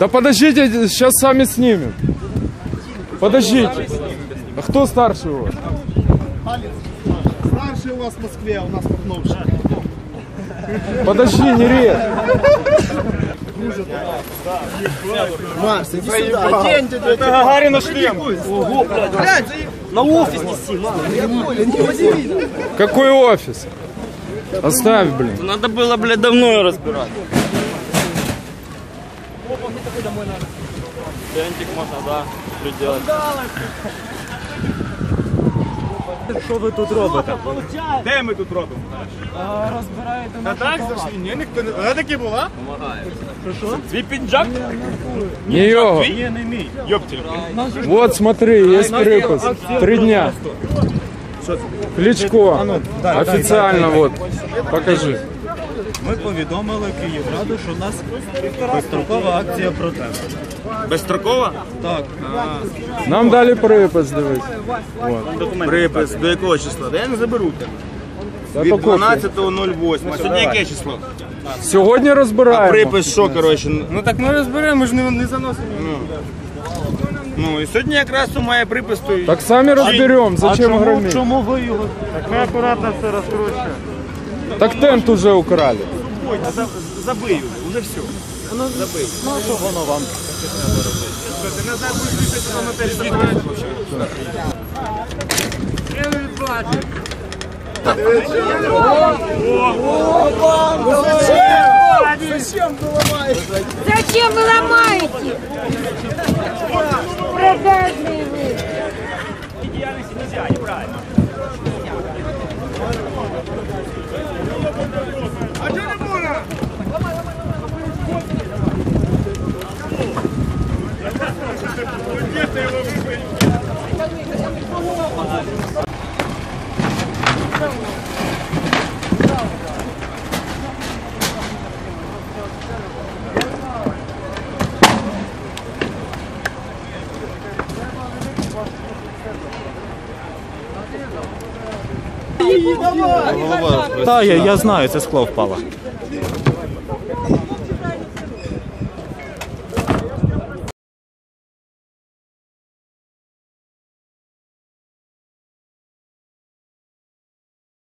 Да подождите, сейчас сами снимем. Подождите. А кто старший у вас? Старший у вас в Москве, а у нас Пахновший. Подожди, не режь. Марс, иди сюда. Одень ты, это Гагарина шлем. Ого, блядь. На офис неси, мама. Какой офис? Оставь, блин. Надо было, блядь, давно разбирать. Тентик можно, да, делать. Що ви тут робите? Де ми тут робимо? Розбираєте А так зайшли? Ні, ніхто не... Вона таки була? Помагає. Що? Твій піджак? Не його. Є не мій. Ёптель. Вот смотри, есть припас. 3 дня. Кличко. Официально вот. Покажи. Ми повідомили Київраду, що у нас безстрокова акція протесту. Безстрокова? Так. Нам дали припас, дивись. Припис. До якого числа? Да я не заберу тебе. Та Від то кофе. 12.08. Сьогодні яке число? Сьогодні розбираємо. Припис що, коротше? Ну так ми розберемо, ми ж не заносимо. Ну і сьогодні якраз має припис. То... Так самі розберемо, зачем громить? Чому ви його? Так ми акуратно все розкручуємо. Так тент уже украли. Забию, вже все. Забий. Ну що воно вам? Ти назад будеш писати на матері забирати Зачем вы ломаете? Продажные вы. Діяльності нельзя, неправильно. А чого не можна? Та, я знаю, це скло впало.